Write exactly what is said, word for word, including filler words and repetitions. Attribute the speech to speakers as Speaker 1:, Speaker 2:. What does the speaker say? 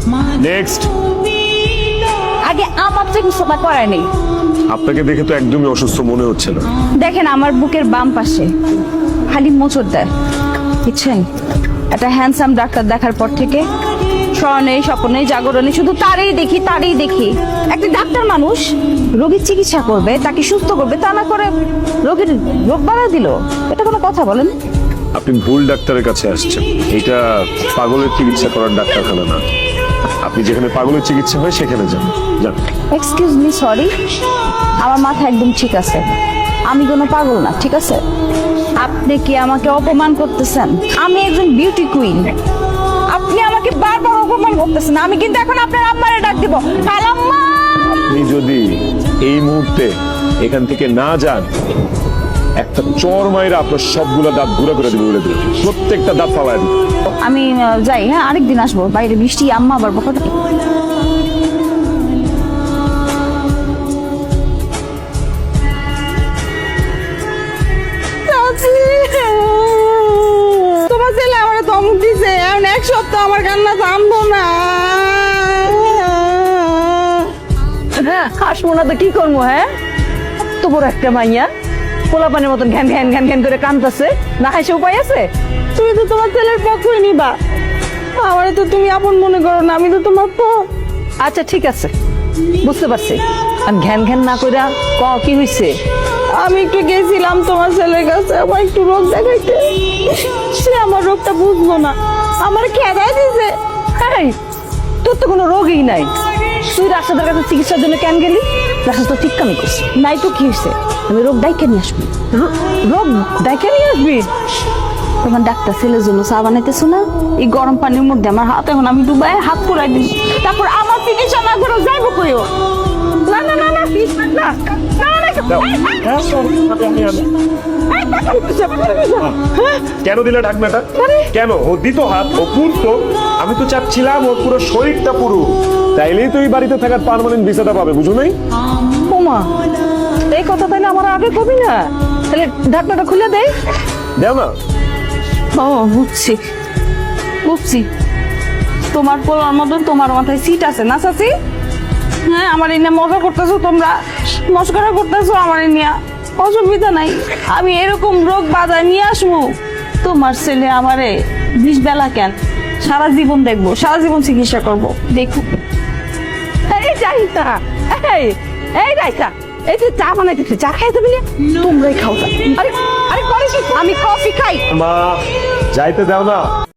Speaker 1: Next.
Speaker 2: আগে আমার চিকিৎসা করায় নেই।
Speaker 1: আপনাকে দেখে তো একদমই অসুস্থ মনে হচ্ছে না।
Speaker 2: দেখেন আমার বুকের বাম পাশে খালি মোচড় দেয়, বুঝছেন? একটা হ্যান্ডসাম ডাক্তার দেখার পর থেকে স্বর্ণে স্বপ্নে জাগরণে শুধু তারই দেখি তারই দেখি। একটা ডাক্তার মানুষ রোগীর চিকিৎসা করবে, তাকে সুস্থ করবে, তা না করে রোগীর রোগ বাড়া দিল। এটা কোনো কথা বলেন?
Speaker 1: আপনি ভুল ডাক্তারের কাছে আসছেন। এটা পাগলের চিকিৎসা করার ডাক্তারখানা না। আপনি যেখানে পাগলের চিকিৎসা হয় সেখানে যান। যান।
Speaker 2: এক্সকিউজ মি, সরি, আমার মাথা একদম ঠিক আছে, আমি কোনো পাগল না, ঠিক আছে? আপনি কি আমাকে অপমান করতেছেন? আমি একজন বিউটি কুইন, আপনি আমাকে বারবার অপমান করতেছেন। আমি কিন্তু এখন আপনার আম্মারে ডাক দিব, খালাম্মা।
Speaker 1: আপনি যদি এই মুহূর্তে এখান থেকে না যান, একটা চর মাইরা আপনার সবগুলা দাঁত ঘুরে করে দিবে, বলে দিবে প্রত্যেকটা দাঁত ফালায় দিবে।
Speaker 2: আমি আহ, যাই, হ্যাঁ, আরেকদিন আসবো। বাইরে বৃষ্টি, আম্মা আবার বকা দেবে।
Speaker 3: তোমার ছেলে আমার ধমক দিছে, এখন এক সপ্তাহ আমার কান্না থামবো না।
Speaker 4: হ্যাঁ, হাসবো না তো কি করবো? হ্যাঁ, এত বড় একটা মাইয়া পোলাপানের মতন ঘ্যান ঘ্যান ঘ্যান ঘ্যান করে কাঁদতেছে, না হাসে উপায় আছে?
Speaker 3: তুমি তো তোমার ছেলের পক্ষই নিবা, আমারে তো তুমি আপন মনে করো না, আমি তো তোমার পর।
Speaker 4: আচ্ছা ঠিক আছে, বুঝতে পারছি। আর ঘ্যান ঘ্যান না কইরা ক কি হইছে?
Speaker 3: আমি একটু গেছিলাম তোমার ছেলের কাছে, আমার একটু রোগ দেখাইতে, সে আমার রোগটা বুঝলো না, আমার খেদাই দিছে।
Speaker 4: এই, তোর তো কোনো রোগই নাই, তুই রাশাদের কাছে চিকিৎসার জন্য কেন গেলি? রাশাদ তো ঠিক কামই করছে।
Speaker 2: নাই তো কি হয়েছে, আমি রোগ ডাইকে নিয়ে আসবো।
Speaker 4: রো- রোগ ডাইকে নিয়ে আসবি?
Speaker 2: তোমার ডাক্তার ছেলের জন্য চা বানাইতেছো না? এই গরম পানির মধ্যে আমার হাত এখন আমি ডুবাই হাত পুরাই দিই, তারপর আমার চিকিৎসা না করে যাইবো কইও। না না না না please, না না না না,
Speaker 1: দাও। হ্যাঁ, আমি আমি কেন দিলে ঢাকনাটা? কেন? ও দিত হাত, ও পুরতো। আমি তো চাচ্ছিলাম ওর পুরো শরীরটা পুরো, তাইলেই তো এই বাড়িতে থাকার পার্মানেন্ট ভিসাটা পাবে, বুঝো নাই?
Speaker 4: ওমা, এই কথা তাইলে আমার আগে কবি না, তাহলে ঢাকনাটা খুলে দেয়।
Speaker 1: দেও না।
Speaker 2: ও বুঝছি বুঝছি, তোমার পোলার মতন তোমার মাথায় সিট আছে না চাচি? হ্যাঁ, আমার এই নিয়ে মজা করতেছো, তোমরা মস্করা করতেছো আমার এই নিয়ে, অসুবিধা নাই। আমি এরকম রোগ বাজায় নিয়ে আসবো, তোমার ছেলে আমারে বিষ বেলা কেন, সারা জীবন দেখবো, সারা জীবন চিকিৎসা করবো, দেখো।
Speaker 4: এই যাইতা, এই এই যাইতা, এই যে চা বানাইতেছে, চা খাইতে বলে তোমরাই খাও চা। আরে আরে করে কি?
Speaker 2: আমি কফি খাই।
Speaker 1: মা, যাইতে দাও না।